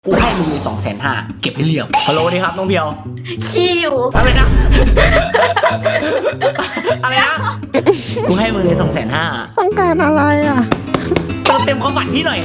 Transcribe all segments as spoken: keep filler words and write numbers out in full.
กูให้มึงเลยสองแสนห้าเก็บให้เรียบฮัลโหลดีครับน้องเพียวชิวอะไรนะ อะไรนะกูให้มึงเลยสองแสนห้าต้องการอะไรอ่ะเติมเต็มความฝันพี่หน่อย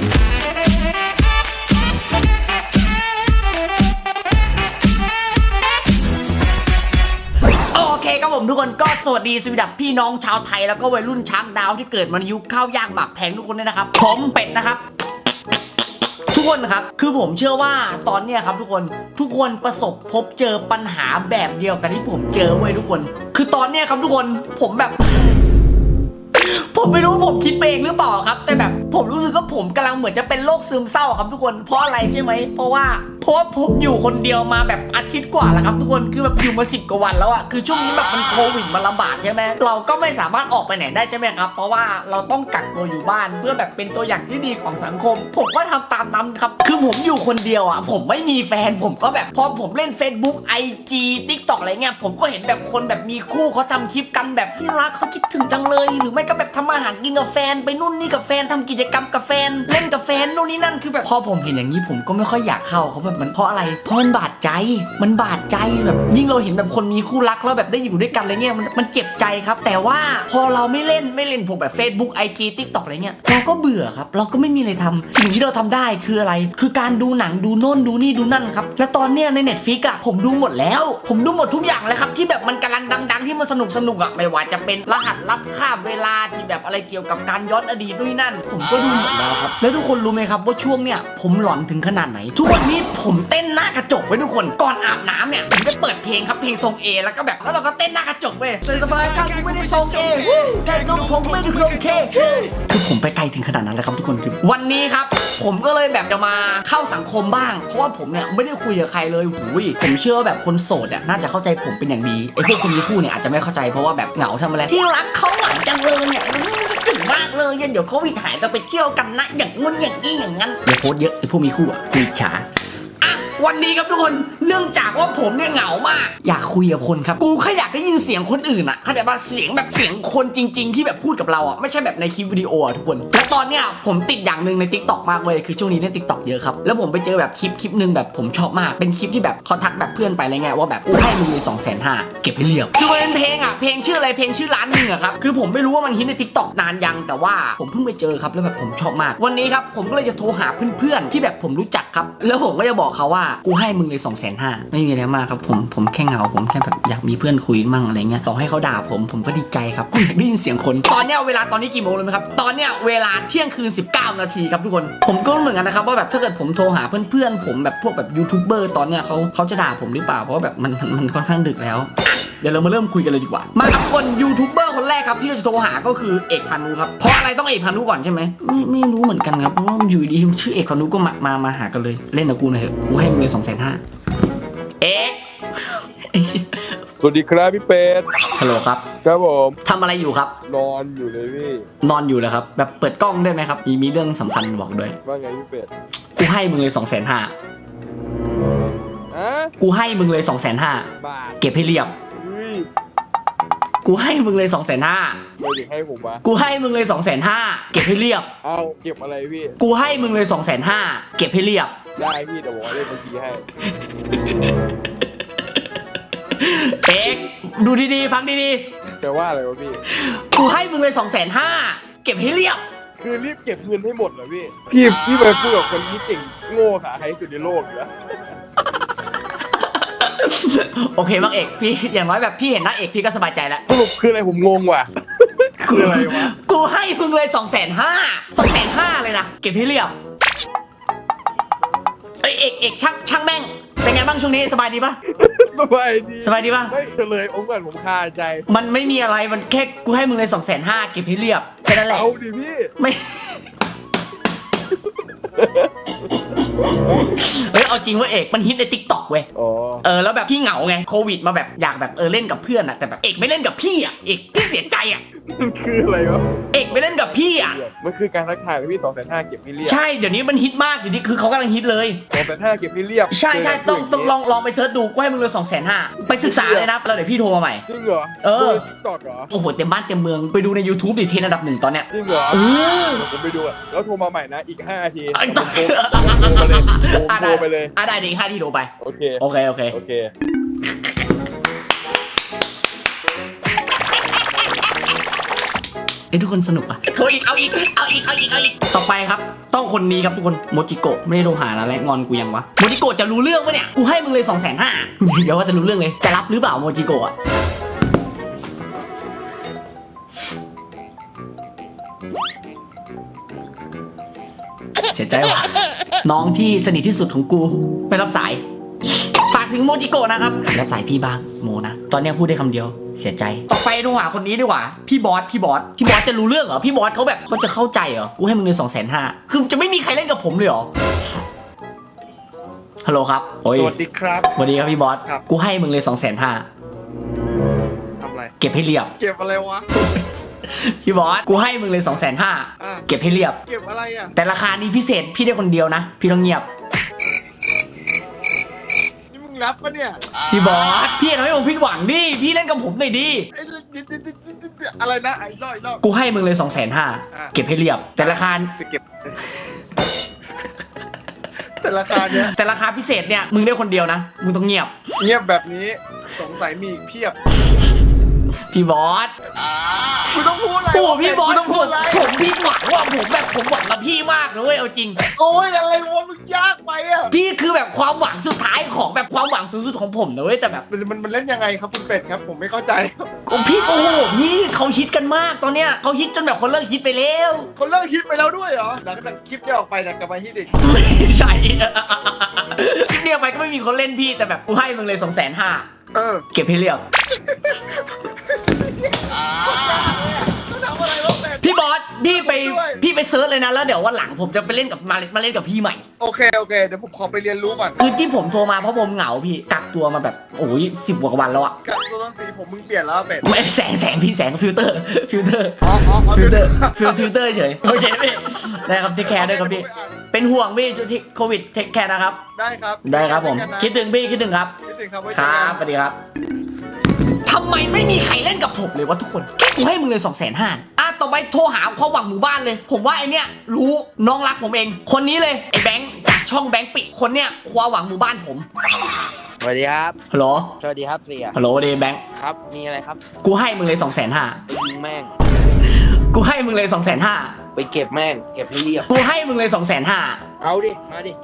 โอเคครับผมทุกคนก็สวัสดีสวัสดีพี่น้องชาวไทยแล้วก็วัยรุ่นช้างดาวที่เกิดมาในยุคข้าวยากหมากแพงทุกคนด้วยนะครับผมเป็ดนะครับทุกคนครับคือผมเชื่อว่าตอนเนี้ยครับทุกคนทุกคนประสบพบเจอปัญหาแบบเดียวกันที่ผมเจอเว้ยทุกคนคือตอนเนี้ยครับทุกคนผมแบบผมไม่รู้ผมคิดไปเองหรือเปล่าครับแต่แบบผมรู้สึกว่าผมกำลังเหมือนจะเป็นโรคซึมเศร้าครับทุกคนเพราะอะไรใช่ไหมเพราะว่าเพราะว่าผมอยู่คนเดียวมาแบบอาทิตย์กว่าแล้วครับทุกคนคือแบบอยู่มาสิบกว่าวันแล้วอะคือช่วงนี้แบบมันโควิดมันระบาดใช่ไหมเราก็ไม่สามารถออกไปไหนได้ใช่ไหมครับเพราะว่าเราต้องกักตัวอยู่บ้านเพื่อแบบเป็นตัวอย่างที่ดีของสังคมผมก็ทำตามนั้นครับคือผมอยู่คนเดียวอะผมไม่มีแฟนผมก็แบบพอผมเล่น Facebook ไอ จี TikTok อะไรเงี้ยผมก็เห็นแบบคนแบบมีคู่เขาทำคลิปกันแบบที่รักเขาคิดถึงจังเลยหรือไม่ก็แบบทำอาหารกินกับแฟนไปนู่นนี่กับแฟนทำกิจกรรมกับแฟนเล่นกับแฟนนู่นนี่นั่นคือแบบพอผมเห็นอย่างนี้ผมก็ไม่ค่อยอยากเข้าเขาแบบมันเพราะอะไรเพราะมันบาดใจมันบาดใจแบบยิ่งเราเห็นแบบคนมีคู่รักแล้วแบบได้อยู่ด้วยกันอะไรเงี้ยมันมันเจ็บใจครับแต่ว่าพอเราไม่เล่นไม่เล่นพวกแบบ Facebook ไอ จี TikTok อะไรเงี้ยเราก็เบื่อครับเราก็ไม่มีอะไรทำสิ่งที่เราทำได้คืออะไรคือการดูหนังดูโน่นดูนี่ดูนั่นครับและตอนเนี้ยใน Netflix อะผมดูหมดแล้วผมดูหมดทุกอย่างเลยครับที่แบบมันกำลังดังๆที่มันสนุกสนุกอะไม่ว่าจะเป็นรหัสลับข้ามเวลาที่แบบอะไรเกี่ยวกับการย้อนอดีตด้วยนั่นผมก็ดูหมดแล้วครับแล้วทุกคนรู้ไหมครับว่าช่วงเนี้ยผมหลอนถึงขนาดไหนทุกวันนี้ผมเต้นหน้ากระจกไว้ทุกคนก่อนอาบน้ำเนี่ยผมจะเปิดเพลงครับเพลงทรง A แล้วก็แบบแล้วเราก็เต้นหน้ากระจกเว้ยสบายครับไม่ได้ทรง A แต่น้องผมไม่ได้ทรง K คือผมไปไกลถึงขนาดนั้นเลยครับทุกคนคือวันนี้ครับผมก็เลยแบบจะมาเข้าสังคมบ้างเพราะว่าผมเนี่ยไม่ได้คุยกับใครเลยหูยผมเชื่อว่าแบบคนโสดอ่ะน่าจะเข้าใจผมเป็นอย่างดีไอ้พวกคนมีคู่เนี่ยอาจจะไม่เข้าใจเพราะว่าแบบเหงาทำอะไรที่รักเขาหวานจังเลยเนี่ยคิดถึงมากเลยเดี๋ยวโควิดหายจะไปเที่ยวกันนะอย่างงุ้นอย่างนี้อย่างนั้นอย่าโพสเยอะไอ้พวกมีคู่อ่ะคุยฉาวันนี้ครับทุกคนเนื่องจากว่าผมเนี่ยเหงามากอยากคุยกับคนครับกูแค่อยากได้ยินเสียงคนอื่นอ่ะเข้าใจป่ะเสียงแบบเสียงคนจริงๆที่แบบพูดกับเราอ่ะไม่ใช่แบบในคลิปวิดีโออ่ะทุกคนและตอนเนี้ยผมติดอย่างหนึ่งใน TikTok มากเลยคือช่วงนี้เล่น TikTok เยอะครับแล้วผมไปเจอแบบคลิปคลิปนึงแบบผมชอบมากเป็นคลิปที่แบบเขาทักแบบเพื่อนไปอะไรเงี้ยว่าแบบกูให้มึงเลยสองแสนห้าเก็บให้เรียบคือมันเป็นเพลงอ่ะเพลงชื่ออะไรเพลงชื่อร้านนึงอ่ะครับคือผมไม่รู้ว่ามันฮิตใน TikTok นานยังแต่ว่าผมเพิ่งไปเจอครับแล้วแบบผมชอบมากวันนี้ครับผมก็เลยจะโทรหาเพื่อนๆที่แบบผมรู้จักครับแล้วผมก็จะบอกเขาว่ากูให้มึงเลยสองแสนห้าไม่มีอะไรมากครับผมผมแค่เหงาผมแค่แบบอยากมีเพื่อนคุยมั่งอะไรเงี้ยต่อให้เขาด่าผมผมก็ดีใจครับกูอยากได้ยินเสียงคนตอนเนี้ยเวลาตอนนี้กี่โมงเลยไหมครับตอนเนี้ยเวลาเที่ยงคืนสิบเก้านาทีครับทุกคนผมก็เหมือนกันนะครับว่าแบบถ้าเกิดผมโทรหาเพื่อนๆผมแบบพวกแบบยูทูบเบอร์ตอนเนี้ยเขาเขาจะด่าผมหรือเปล่าเพราะว่าแบบมันมันค่อนข้างดึกแล้วเดี๋ยวเรามาเริ่มคุยกันเลยดีกว่ามาครับคนยูทูบเบอร์คนแรกครับที่เราจะโทรหาก็คือเอกพานุครับเพราะอะไรต้องเอกพานุก่อนใช่ไหมไม่ไม่รู้เหมือนกันครับเพราะว่าอยู่ดีชื่อเอกพานุก็มามามาหากันเลยเล่นกับกูหน่อยเถอะกูให้มึงเลยสองแสนห้าเอ็กสวัสดีครับพี่เป็ดฮัลโหลครับครับผมทำอะไรอยู่ครับนอนอยู่เลยพี่นอนอยู่แล้วครับแบบเปิดกล้องได้ไหมครับมีมีเรื่องสำคัญบอกด้วยว่าไงพี่เป็ดกูให้มึงเลยสองแสนห้าอะกูให้มึงเลยสองแสนห้าบาทเก็บให้เรียบกูให้มึงเลยสองแสนห้าไม่ได้ให้ผมวะกูให้มึงเลยสองแสนห้าเก็บให้เรียบเอาเก็บอะไรพี่กูให้มึงเลยสองแสนห้าเก็บให้เรียบได้พี่แต่บอกว่าเลขบัญชีให้เอ็กดูดีๆฟังดีๆแต่ว่าอะไรวะพี่กูให้มึงเลยสองแสนห้าเก็บให้เรียบคือรีบเก็บเงินให้หมดเหรอพี่พี่พี่ไปพูดกับคนที่เก่งโง่ขาใครที่สุดในโลกอยู่แล้วโอเคบ้างเอกพี่อย่างน้อยแบบพี่เห็นหน้าเอกพี่ก็สบายใจแล้วสรุปคืออะไรผมงงว่ะคืออะไรวะกูให้มึงเลยสองแสนห้าสองแสนห้าเลยนะเก็บให้เรียบเอ้ยเอกเอกช่างช่างแม่งเป็นไงบ้างช่วงนี้สบายดีปะสบายดีสบายดีปะไม่เลยองค์ก่อนผมคาใจมันไม่มีอะไรมันแค่กูให้มึงเลยสองแสนห้าเก็บให้เรียบแค่นั้นแหละเอาดิพี่ไม่เฮ้ยเอาจริงว่าเอกมันฮิตใน TikTok เว้ยเออแล้วแบบพี่เหงาไงโควิดมาแบบอยากแบบเออเล่นกับเพื่อนอะแต่แบบเอกไม่เล่นกับพี่อะเอกพี่เสียใจอะมันคืออะไรวะเอกไปเล่นกับพี่อ่ะมันคือการทักทายเลยพี่สองแสนห้าเก็บให้เรียบใช่เดี๋ยวนี้มันฮิตมากเดี๋ยวนี้คือเขากำลังฮิตเลยสองแสนห้าเก็บให้เรียบใช่ใช่ต้องต้องลองลองไปเสิร์ชดูกูให้มึงเลยสองแสนห้าไปศึกษาเลยนะแล้วเดี๋ยวพี่โทรมาใหม่จริงเหรอเออทิกตอกเหรอโอ้โหเต็มบ้านเต็มเมืองไปดูใน YouTube ดิเทรนด์อันดับหนึ่งตอนเนี้ยจริงเหรอเออเดี๋ยวผมไปดูอะแล้วโทรมาใหม่นะอีกห้านาทีไอ้ผต้อมงโทรผมโทรไปเลยผมอ่ะโทได้รไปเลยอ่ะได้ดีห้าที่โทรไปโอเคโอเคโอเคโอเคเอ้ยทุกคนสนุกอ่ะโทรอีกเอาอีกเอาอีกเอาอีกเอาอีกต่อไปครับต้องคนนี้ครับทุกคนโมจิโกะไม่ได้โทรหานะและงอนกูยังวะโมจิโกะจะรู้เรื่องปะเนี่ยกูให้มึงเลยสองแสนห้าเดี๋ยวว่าจะรู้เรื่องเลยจะรับหรือเปล่าโมจิโกะอะเสียใจว่ะน้องที่สนิทที่สุดของกูไม่รับสายฝากถึงโมจิโกะนะครับรับสายพี่บ้างโมนะตอนนี้พูดได้คำเดียวเสียใจต่อไปดูหาคนนี้ดีกว่าพี่บอสพี่บอสพี่บอสจะรู้เรื่องเหรอพี่บอสเขาแบบเขาจะเข้าใจเหรอกูให้มึงเลยสองแสนห้าคือจะไม่มีใครเล่นกับผมเลยเหรอฮัลโหลครับโอ้ยสวัสดีครับสวัสดีครับพี่บอสครับกูให้มึงเลยสองแสนห้าทำอะไรเก็บให้เรียบเก็บอะไรวะพี่บอสกูให้มึงเลยสองแสนห้าอ่ะเก็บให้เรียบเก็บอะไรอ่ะแต่ราคานี้พิเศษพี่ได้คนเดียวนะพี่ต้องเงียบนี่มึงรับปะเนี่ยพี่บอสพี่ทำให้ผมผิดหวังดิพี่เล่นกับผมหน่อยดิไอ้อะไรนะไอ้รอยรอบกูให้มึงเลยสองแสนห้าอ่ะเก็บให้เรียบ แต่ราคาจะเก็บ แต่ราคาเนี้ยแต่ราคาพิเศษเนี่ยมึงได้คนเดียวนะมึงต้องเงียบเงียบแบบนี้สงสัยมีอีกเพียบพี่บอสกูต้องพูดอะไรโอ้พี่บอสกูต้องผพูดมอะไรผมพี่หวังว่าผมแบบผมหวังกับพี่มากเลยเว้ยเอาจริงโอ้ยอะไรวะมึงยากไปอ่ะพี่คือแบบความหวังสุดท้ายของแบบความหวังสูงสุดของผมนะเว้ยแต่แบบมันมันมันเล่นยังไงครับคุณเป็ดครับ ผมไม่เข้าใจครับโอ้พี่โอ้โหพี่เขาฮิตกันมากตอนเนี้ยเขาฮิตจนแบบคนเลิกฮิตไปแล้วคนเลิกคิดไปแล้วด้วยเหรอหลังจากคลิปนี้ออกไปเนี่ยกลับมาฮิตอีกไม่ใช่ คลิปเดียวไปก็ไม่มีคนเล่นพี่แต่แบบกูให้มึงเลยสองแสนห้าเออเก็บให้เรียบทำอะไรวะเป็ดพี่บอสพี่ไปด้วยพี่ไปเซิร์ชเลยนะแล้วเดี๋ยววันหลังผมจะไปเล่นกับมามาเล่นกับพี่ใหม่โอเคโอเคเดี๋ยวผมขอไปเรียนรู้ก่อนคือที่ผมโทรมาเพราะผมเหงาพี่กักตัวมาแบบโอ้ยสิบกว่าวันแล้วอะกับตัวต้นสีผมมึงเปลี่ยนแล้วเป็ดไม่แสงแสงพี่แสงฟิลเตอร์ฟิลเตอร์อ๋ออ๋ออ๋อฟิลเตอร์ฟิลฟิลเตอร์เฉยโอเคพี่ได้ครับเทคแคร์ด้วยครับพี่เป็นห่วงพี่ช่วงที่โควิดเทคแคร์นะครับได้ครับได้ครับผมเจอกันนะคิดถึงพี่คิดถึงครับคิดถึงครับไว้คเจอรักับ นสวัสดีครับทำไมไม่มีใครเล่นกับผมเลยวะทุกคนแค่กูให้มึงเลยสองแสนห้าอ่ะต่อไปโทรหาความหวังหมู่บ้านเลย ผมว่าไอเนี้ยรู้น้องรักผมเอง คนนี้เลยไอแบงค์จากช่องแบงค์ปิคนเนี้ยความหวังหมู่บ้านผมสวัสดีครับฮัลโหลสวัสดีครับเสียฮัลโหลเดแบงค์ครับ มีอะไรครับกูให้มึงเลยสองแสนห้าไปยิงแม่งกูให้มึงเลยสองแสนห้าไปเก็บแม่ง เก็บให้เรียบกูให้มึงเลยสองแสนห้าเอาดิ มาดิ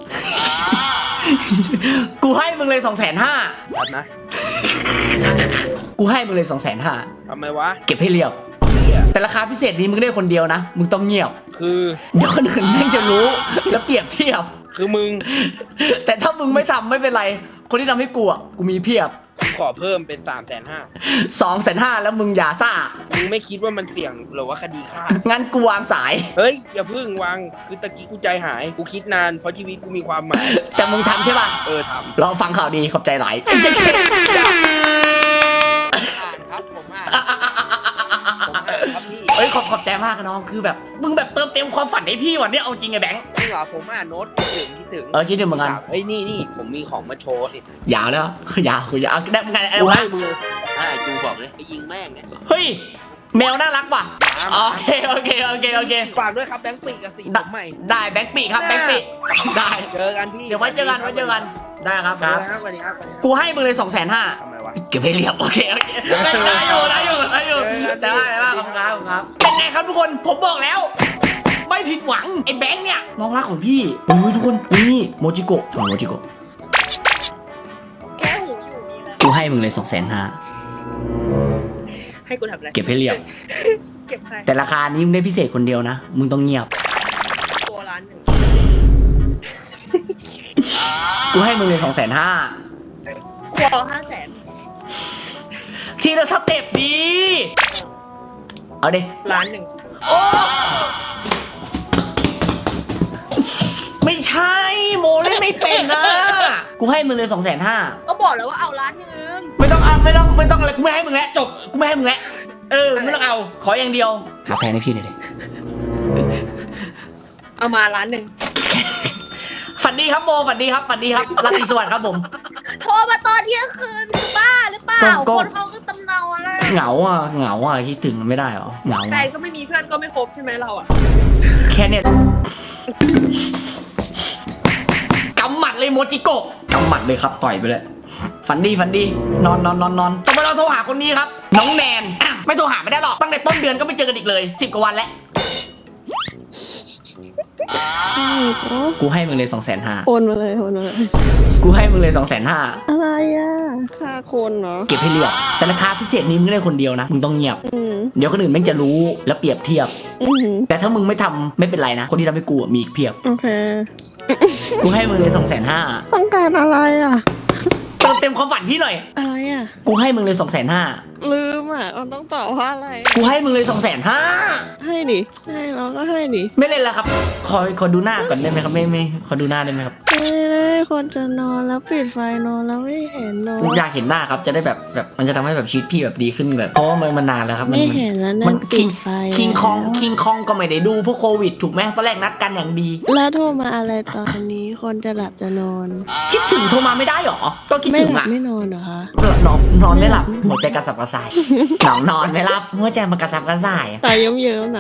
กูให้มึงเลยสองแสนห้ารับนะกูให้มึงเลยสองแสนห้าทำไมวะเก็บให้เรียบเหี้ยแต่ราคาพิเศษนี้มึงได้คนเดียวนะมึงต้องเงียบคือเดี๋ยวคนอื่นแม่งจะรู้แล้วเปรียบเทียบคือมึงแต่ถ้ามึงไม่ทำไม่เป็นไร คนที่ทำให้กูอ่ะกูมีเพียบขอเพิ่มเป็นสามแสนห้าสองแสนห้าแล้วมึงอย่าซ่ามึงไม่คิดว่ามันเสี่ยงหรือว่าคดีฆ่างั้นกูวางสายเฮ้ย อย่าเพิ่งวาง คือตะกี้กูใจหาย กูคิดนาน เพราะชีวิตกูมีความหมายแต่มึงทำใช่ป่ะเออทรอฟังข่าวดีขอบใจหลายำอ่านครับ ผมอ่าน ผมอ่านครับพี่เอ้ยขอบขอบใจมากนะน้องคือแบบ มึงแบบเติมเต็มความฝันให้พี่วันนี้เอาจริงไอ้แบงค์จริงเหรอ ผมอ่านโน้ตคิดถึงคิดถึงเออคิดถึงเหมือนกันเฮ้ย นี่นี่ผมมีของมาโชว์ดิยาวแล้วยาวคือยาวได้ไงไอ้กูวะให้มืออ่าจูบอกเลยไปยิงแม่งเนี่ยเฮ้ยแมวน่ารักว่ะโอเคโอเคโอเคโอเคฝากด้วยครับแบงค์ปีกกับสีผมใหม่ได้แบงค์ปีครับแบงค์ปีได้เจอกันที่เดี๋ยวไว้เจอกันไว้เจอกันได้ครับครับสวัสดีครับสวัสดีครับกูให้มึงเลยสองแสนห้าทำไมวะเก็บให้เรียบโอเคโอเคได้ได้อยู่ได้อยู่ได้อยู่ได้ได้ได้ครับครับครับเป็นไงครับทุกคนผมบอกแล้ว ไม่ผิดหวังไอ้แบงค์เนี่ยน้องรักของพี่โอ้ยทุกคนนี่โมจิโกะทำไมโมจิโกะแก้หูอยู่นี่นะกูให้มึงเลยสองแสนห้าให้กูทำอะไรเก็บให้เรียบเก็บใครแต่ราคานี้มึงได้พิเศษคนเดียวนะมึงต้องเงียบตัวร้านหนึ่งกูให้มึงเลยสองแสนห้าครัวห้าแสนทีละสเต็ปดีเอาดิร้านหนึ่งโอ้ไม่ใช่โมเล่นไม่เป็นนะกูให้มึงเลยสองแสนห้าก็บอกแล้วว่าเอาร้านหนึ่งไม่ต้องเอาไม่ต้องไม่ต้องอะไรกูไม่ให้มึงแล้วจบกูไม่ให้มึงแล้วเออไม่ต้องเอาขออย่างเดียวหาแฟนให้พี่หน่อยดิเอามาล้านหนึ่งฝันดีครับโมฝันดีครับฝันดีครับราตรีสวัสดิ์ครับผมโทรมาตอนเที่ยงคืนคือบ้าหรือเปล่าก็คนเขาก็ตำเนาอะไรเหงาอ่ะเหงาอ่ะคิดถึงไม่ได้หรอเหงาแฟนก็ไม่มีเพื่อนก็ไม่ครบใช่ไหมเราอ่ะแค่เนี้ยกำหมัดเลยโมจิโกะกำหมัดเลยครับต่อยไปเลยฝันดีฝันดีนอนนอนนอนนอนต่อไปเราโทรหาคนนี้ครับน้องแนนอ่ะไม่โทรหาไม่ได้หรอกตั้งแต่ต้นเดือนก็ไม่เจอกันอีกเลยสิบกว่าวันแล้วกูให้มึงเลยสองแสนห้าโอนมาเลยโอนมาเลยกูให้มึงเลยสองแสนห้าอะไรอ่ะค่าคนเนาะเก็บให้เรียบแต่ราคาพิเศษนี้มึงได้คนเดียวนะมึงต้องเงียบอืมเดี๋ยวคนอื่นแม่งจะรู้แล้วเปรียบเทียบอืมแต่ถ้ามึงไม่ทำไม่เป็นไรนะคนที่ทำให้กูอะมีอีกเพียบโอเคกูให้มึงเลยสองแสนห้าต้องการอะไรอ่ะเติมเต็มความฝันพี่หน่อยอะไรอ่ะกูให้มึงเลยสองแสนห้าลืมอ่ะมันต้องตอบว่าอะไรกูให้มึงเลยสองแสนห้าให้ดิให้เราก็ให้ดิไม่เล่นแล้วครับขอขอดูหน้าก่อนได้ไหมครับไม่ไม่ขอดูหน้าได้ไหมครับไม่ได้คนจะนอนแล้วปิดไฟนอนแล้วไม่เห็นเนอะอยากเห็นหน้าครับจะได้แบบแบบมันจะทำให้แบบชีวิตพี่แบบดีขึ้นแบบเพราะว่ามันมันนานแล้วครับมัไม่เห็นแล้วนั่มันนปิคิงดไฟคิงคองแล้วคิงคองก็ไม่ได้ดูเพราะโควิดถูกไหมตอนแรกนัดกันอย่างดีแล้วโทรมาอะไรตอนนี้คนจะหลับจะนอนคิดถึงโทรมาไม่ได้หรอก็คิดไม่ถึงหลับอะไม่นอนเหรอคะนอนนอนไม่หลับหัวใจกระสับกระส่ายหนอนนอนไม่หลับหัวใจมันกระสับกระส่ายตายเยิ้มๆนะ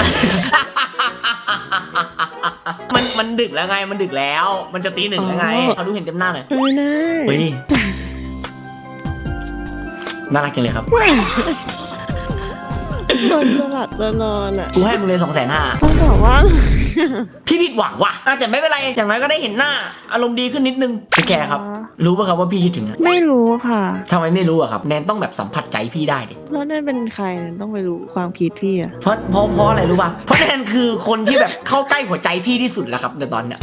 มันมันดึกแล้วไงมันดึกแล้ว มันจะตีหนึ่งแล้วไงอ๋อเขาดูเห็นเต็มหน้าเลยไม่ได้เฮ้ยน่ารักจังเลยครับคนจะหลับจะนอนอ่ะกูให้มึงเลยสองแสนห้าต้องตอบว่าพี่ผิดหวังว่ะอ่ะแต่ไม่เป็นไรอย่างน้อยก็ได้เห็นหน้า อารมณ์ดีขึ้นนิดนึงพี่แกครับ รู้ป่ะครับว่าพี่คิดถึงอะไม่รู้ค่ะทำไมไม่รู้อะครับแนนต้องแบบสัมผัสใจพี่ได้ดิแล้วนั่นเป็นใครเนี่ยต้องไปรู้ความคิดพี่อะเพราะเพราะเพราะอะไรรู้ป่ะเพราะแนนคือคนที่แบบเข้าใกล้หัวใจพี่ที่สุดแล้วครับในตอนเนี้ย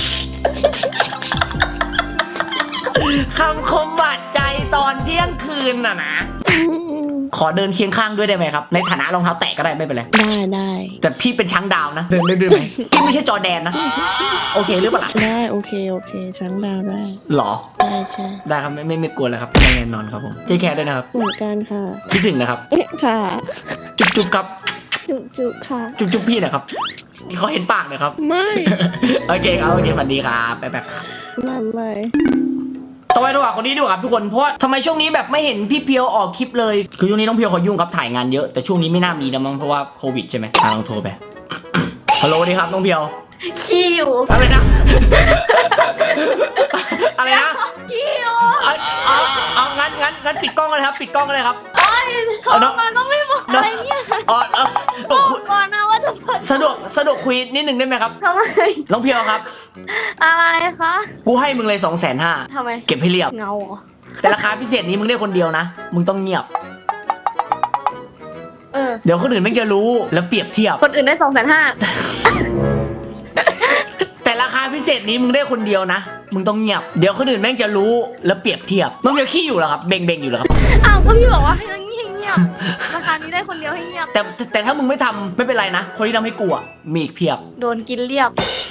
คำคมบาดใจตอนเที่ยงคืนน่ะนะ ขอเดินเคียงข้างด้วยได้ไหมครับ ในฐานะรองเท้าแตะก็ได้ไม่เป็นไรได้ได้แต่พี่เป็นช้างดาวนะ เดินได้ด้วยไหมพี่ไม่ใช่จอแดนนะ โอเคหรือเปล่าล่ะได้โอเคโอเคช้างดาวได้หรอได้ใช่ได้ครับไม่ไม่ไม่กลัวแล้วครับแน่นอนครับผมเทคแคร์ด้วยนะครับเหมือนกันค่ะคิดถึงนะครับค่ะจุ๊บจุ๊บครับจุจุค่ะจุ๊บจุ๊บพี่นะครับเขาเห็นปากนะครับไม่โอเคครับโอเคสวัสดีครับไปไปครับไม่ไม่ต่อไปดีกว่าคนนี้ดีกว่าครับทุกคนเพราะว่าทำไมช่วงนี้แบบไม่เห็นพี่เพียวออกคลิปเลยคือช่วงนี้น้องเพียวเขายุ่งครับถ่ายงานเยอะแต่ช่วงนี้ไม่น่ามีนะมั้งเพราะว่าโควิดใช่ไหมอ่ะลองโทรไป ฮัลโหลสวัสดีครับน้องเพียวคิวอะไรนะ อะไรนะคิวเอาเอาเอางั้นงั้นงั้นปิดกล้องกันเลยครับปิดกล้องกันเลยครับโอ้ยโทรมาก็ไม่บอกอะไรเนี่ยอ๋อเออบอกก่อนนะว่าจะเปิดสะดวกสะดวกคุยนิดหนึ่งได้ไหมครับทำไมน้องเพียวครับอะไรคะกูให้มึงเลยสองแสนห้าทำไมเก็บให้เรียบเงาเหรอแต่ราคาพิเศษนี้มึงได้คนเดียวนะมึงต้องเงียบเออเดี๋ยวคนอื่นแม่งจะรู้แล้วเปรียบเทียบคนอื่นได้สองแสนห้าแต่ราคาพิเศษนี้มึงได้คนเดียวนะ มึงต้องเงียบ เดี๋ยวคนอื่นแม่งจะรู้แล้วเปรียบเทียบ น้องเพียวขี้อยู่เหรอครับ เบงเบงอยู่เหรอครับอ้าวก็พี่บอกว่าให้เงียบเงียบราคานี้ได้คนเดียวให้เงียบแต่แต่แต่ถ้ามึงไม่ทำไม่เป็นไรนะ คนที่ทำให้กูอะมีอีกเพียบโดนกินเรียบ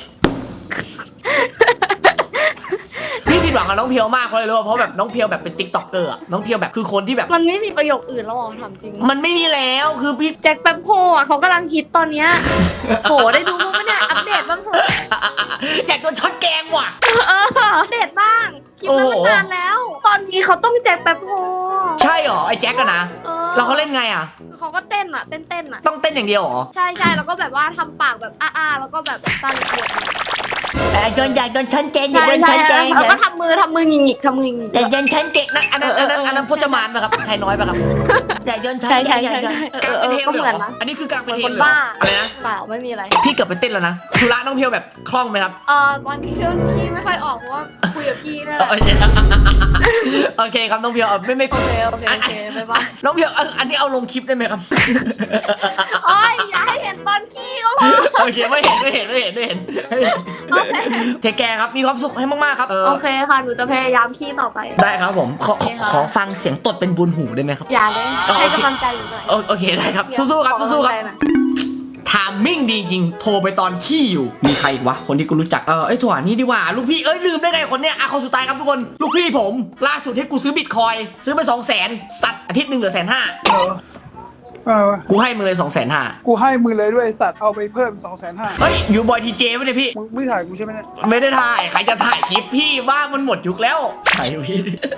พี่ผิดหวังกับน้องเพียวมากเพราะอะไรรู้ป่ะเพราะแบบน้องเพียวแบบเป็นติ๊กต็อกเกอร์อะน้องเพียวแบบคือคนที่แบบมันไม่มีประโยคอื่นแล้วหรอถามจริงมันไม่มีแล้วคือพี่แจ็คแป๊บโฮอ่ะเขากำลังฮิตตอนเนี้ยโหได้ดูมั้ยเนี่ยอัปเดตบ้างเถอะอยากโดนช็อตแกงว่ะเอออัปเดตบ้างคลิปนั้นมันนานแล้ว ตอนนี้เขาต้องแจ็คแป๊บโฮใช่เหรอไอ้แจ็คอะนะเออแล้วเขาเล่นไงอะเขาก็เต้นอ่ะเต้นเต้นอ่ะต้องเต้นอย่างเดียวเหรอใช่ใช่แล้วก็แบบว่าทำปากแบบอ้าๆแล้วก็แบบตาเหลือกแต่โดนอยากโดนช็อตแกงๆอยากโดนช็อตแกงแล้วก็ทำมือทำมือหงิกๆทำมือหงิกอยากโดนช็อตแกงนะอันนั้นอันนั้นอันนั้นพจมานป่ะครับชายน้อยป่ะครับอยากโดนช็อตใช่แกใช่งอยากใช่โดนใช่กลางเอเป็นอเทลก็เลยเหเหมืรอนอนะอันนี้คือกลางเหเป็มืนอนเทคลนเลยเหรบ้าออะไรนะเปล่าไม่มีอะไรพี่เกือบไปเต้นแล้วนะธุระน้องเพียวแบบคล่องไหมครับเออตอนนี้เครื่องพี่ไม่ค่อยออกเพราะว่าคุยกับพี่นั่นแหโอละเคโอเคครับน้องเพียวเอาไม่ไม่โอเคโอเคโอเคบ๊ายบายน้องเพียวอันอันนี้เอาลงคลิปได้ไหมครับโอ้ยอย่าให้เห็นตอนขี้ก็พอโอเคไม่เห็นไม่เห็นไม่เห็นไม่เห็นโอเคเทคแคร์ครับมีความสุขให้มากๆครับเออโอเคค่ะหนูจะพยายามขี้ต่อไปได้ครับผมขอโอเคค่ะขอฟังเสียงตดเป็นบุญหูได้ไหมครับอย่าเลยอ๋อให้กำลังใจหนูหน่อยโอโอเคได้ครับสู้ๆครับสู้ๆครับขอกำลังใจหน่อยทามมิ่งดีจริงโทรไปตอนขี้อยู่มีใครอีกวะคนที่กูรู้จักเออไอ้ถั่วนี่ดีกว่าลูกพี่เอ้ยลืมได้ไงคนเนี้ยอ่ะคนสุดท้ายครับทุกคนลูกพี่ผมล่าสุดให้กูซื้อบิตคอยซื้อไปสองแสนสัตว์อาทิตย์หนึ่งเหลือแสนห้าเอาวะกูให้มึงเลยสองแสนห้ากูให้มึงเลยด้วยไอ้สัตว์เอาไปเพิ่มสองแสนห้าเฮ้ยอยู่บอยทีเจไม่ได้พี่มึงไม่ถ่ายกูใช่ไหมเนี่ยไม่ได้ถ่ายใครจะถ่ายคลิปพี่ว่ามันหมดยุคแล้วถ่ายพี่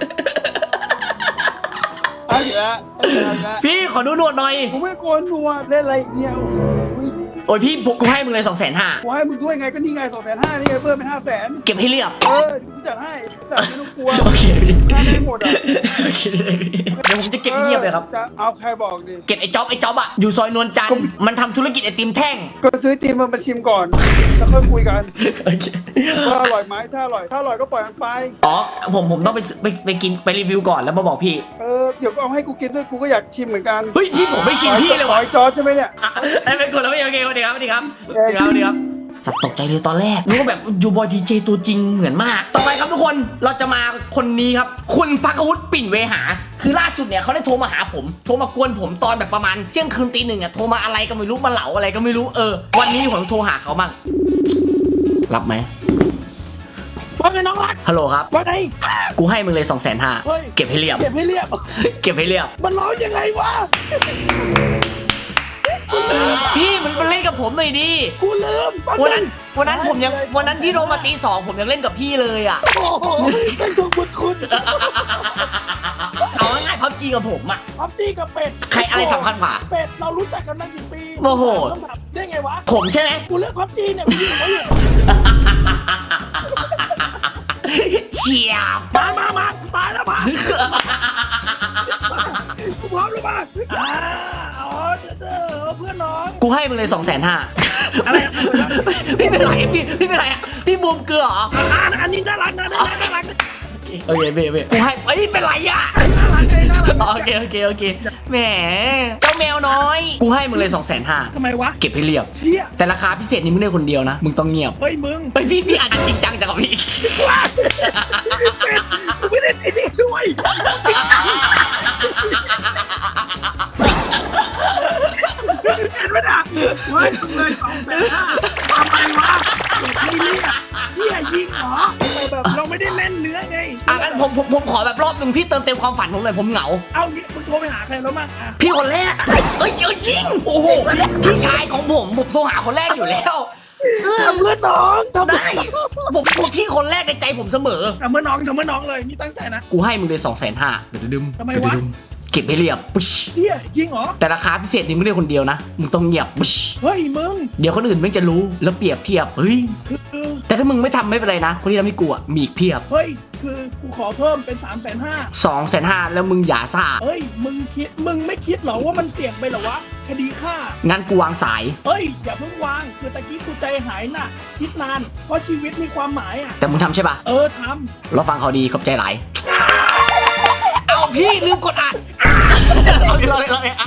เอาอีกแล้วเอาอีกแล้วพี่ขอดูหนวดหน่อยกูไม่โกนหนวดเล่นอะไรอีกเนี่ยโอ้โหโอ้ยพี่กูให้มึงเลยสองแสนห้ากูให้มึงด้วยไงก็นี่ไงสองแสนห้านี่ไงเพิ่มเป็นห้าแสนเก็บให้เรียบเออเดี๋ยวกูจัดให้จัดไม่ต้องกลัวโอเคพี่ค่าไม่หมดอ่ะโอเคเลยพี่เดี๋ยวผมจะเก็บให้เงียบเลยครับจะเอาใครบอกดิเก็บไอ้จ๊อบไอ้จ๊อบอะอยู่ซอยนวลจันทร์มันทำธุรกิจไอติมแท่งก็ซื้อตีมมันมาชิมก่อนแล้วค่อยคุยกันโอเคว่าอร่อยไหมถ้าอร่อยถ้าอร่อยก็ปล่อยมันไปอ๋อผมผมต้องไปซื้อไปไปกินไปรีวิวก่อนแล้วมาบอกพี่เออเดี๋ยวก็เอาให้กูกินด้วยกูก็อยากชิมเหมือนกันเฮ้ยพี่ผมไม่ชิมพี่เลยหว่ะอยจอใช่ไหมเนี่ยอ่ะไอ้เป็นคนแล้วโอเคโอเคสวัสดีครับสวัสดีครับสวัสดีครับสวัสดีครับสัตว์ตกใจเลยตอนแรกนึกว่าแบบยูบอยทีเจตัวจริงเหมือนมาก ต่อไปครับทุกคนเราจะมาคนนี้ครับคุณพักวุฒิปิ่นเวหา คือล่าสุดเนี่ยเขาได้โทรมาหาผมโทรมากวนผมตอนแบบประมาณเที่ยงคืนตีหนึ่งอ่ะโทรมาอะไรก็ไม่รู้มาเหลาอะไรก็ไม่รู้เออวันนี้ผมโทรหาเขามั่งรับไหมว่าไงน้องรักฮัลโหลครับว่าไงกูให้มึงเลยสองแสนห้าเฮ้ยเก็บให้เรียบเก็บให้เรียบเก็บให้เรียบมันร้องยังไงวะพี่มันมาเล่นกับผมหน่อยดิกูลืมวันนั้นวันนั้นผมยังวันนั้นพี่โทรมาตีสองผมยังเล่นกับพี่เลยอ่ะโอ้โหเป็นทุกบุญคุณเอาง่ายๆพับจีกับผมอ่ะพับจี้กับเป็ดใครอะไรสำคัญกว่าเป็ดเรารู้จักกันมากี่ปีโอ้โหต้องถามได้ไงวะผมใช่ไหมกูเลือกพับจี้เนี่ยกูอยู่กับเขาอยู่เฉียบมามามาตายแล้วมากูพร้อมแล้วมาอ่าอ๋อเจอเจอเพื่อนน้องกูให้มึงเลยสองแสนห้าอะไรพี่เป็นไรพี่พี่เป็นไรอะพี่บูมเกลือเหรออ่าอันนี้น่ารักนะน่ารักน่ารักโอเคเบเบกูให้เอ้ยเป็นไรอ่ะน่ารักเลยน่ารักโอเคโอเคโอเคแหมเจ้าแมวน้อยกูให้มึงเลยสองแสนห้าทำไมวะเก็บให้เรียบเชี่ยแต่ราคาพิเศษนี้มึงได้คนเดียวนะมึงต้องเงียบเฮ้ยมึงไปพี่พี่อ่านจริงจังจังกับพี่กูไม่ได้ไอ้นี่ด้วยเห็นไหมน่ะเฮ้ยทำเลยสองแสนห้าทำไมวะเด็กนี่เนี่ยเฮียยิงเหรอแบบเราไม่ได้เล่นเนื้อไงอ่ะงั้นผมผมผมขอแบบรอบหนึ่งพี่เติมเต็มความฝันผมหน่อยผมเหงาเอางี้มึงโทรไปหาใครแล้วมั้งอ่ะพี่คนแรกอะเอ้ยเยอะจริงโอ้โหพี่ชายของผมผมโทรหาคนแรกอยู่แล้วเออทำเพื่อนน้องทำได้ผมผมพี่คนแรกในใจผมเสมอทำเพื่อนน้องทำเพื่อนน้องเลยนี่ตั้งใจนะกูให้มึงเลยสองแสนห้าเดี๋ยวดึมทำไมวะเดี๋ยดึเก็บให้เรียบปุ๊ชเฮียยิงเหรอแต่ราคาพิเศษนี่มึงได้คนเดียวนะมึงต้องเงียบปุ๊ชเฮ้ยมึงเดี๋ยวคนอื่นไม่จะรู้แล้วเปรียบเทียบเฮ้ยคือแต่ถ้ามึงไม่ทำไม่เป็นไรนะคนที่ทำให้กูอะมีอีกเพียบเฮ้ยคือกูขอเพิ่มเป็นสามแสนห้าสองแสนห้าแล้วมึงอย่าซ่าเฮ้ยมึงคิดมึงไม่คิดเหรอว่ามันเสี่ยงไปเหรอวะคดีฆ่างั้นกูวางสายเฮ้ยอย่าเพิ่งวางคือตะกี้กูใจหายน่ะ คิดนานเพราะชีวิตมีความหมายอ่ะแต่มึงทำใช่ปะเออทเราฟังเขาดีขอบใจหลายเอาพี่ลืมกดอัดเอาเลยเอาเลยเอาเลย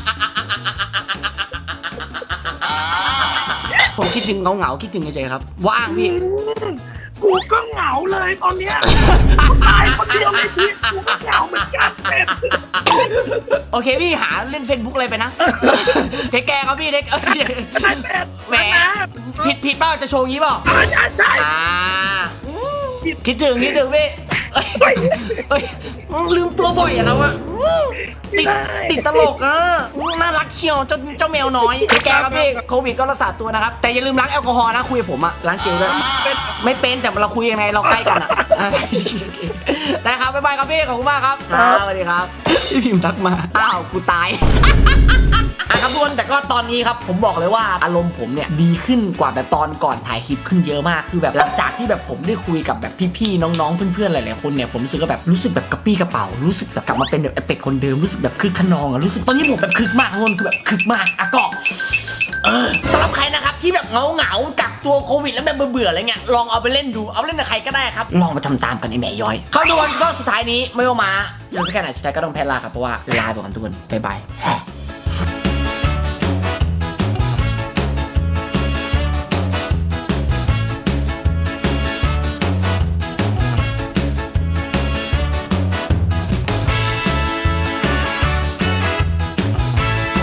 ผมคิดถึงเงาเงาๆคิดถึงเฉยๆครับว่างำพี่อืมกูก็เหงาเลยตอนเนี้ยตายคนเดียวในชีวิตกูก็เหงาเหมือนกันเป็ดโอเคพี่หาเล่นเฟซบุ๊กอะไรไปนะเทคแกร์ครับพี่เทคเอ้ยไอ้เป็ดแหมผิดผิดเปล่าจะโชว์งี้เปล่าใช่ใช่อ่าคิดถึงคิดถึงพี่เอ้ยเอ้ยลืมตัวบ่อยอะเราอะติดติดตลกอะน่ารักเชียวเจ้าเจ้าแมวน้อยเทคแกร์ครับพี่โควิดก็รักษาตัวนะครับแต่อย่าลืมล้างแอลกอฮอล์นะคุยกับผมอะล้างเจลด้วยไม่เป็นแต่เราคุยยังไงเราใกล้กันอะได้ครับบ๊ายบายครับพี่ขอบคุณมากครับสวัสดีครับพี่พิมพ์ทักมาอ้าวกูตายอ่ะครับทุกคนแต่ก็ตอนนี้ครับผมบอกเลยว่าอารมณ์ผมเนี่ยดีขึ้นกว่าแบบตอนก่อนถ่ายคลิปขึ้นเยอะมากคือแบบหลังจากที่แบบผมได้คุยกับแบบพี่ๆน้องๆเพื่อนๆหลายๆคนเนี่ยผมรู้สึกว่าแบบรู้สึกแบบกระปี้กระเป๋ารู้สึกแบบกลับมาเป็นแบบไอ้เป็ดคนเดิมรู้สึกแบบคึกขนองอะรู้สึกตอนนี้ผมแบบคึกมากทุกคนคือแบบคึกมากอะก็เออสำหรับใครนะครับที่แบบเหงาๆกักตัวโควิดแล้วแบบเบื่อๆอะไรเงี้ยลองเอาไปเล่นดูเอาไปเล่นกับใครก็ได้ครับลองมาทำตามกันไอ้แม่ย้อยเข้าดูวันก็สุดท้ายนี้ไม่ว่ามาเจอสักแค่ไหนสุดท้ายก็ต้องแพ้ลาครับเพราะว่าลาไปก่อนทุกคนบ๊ายบาย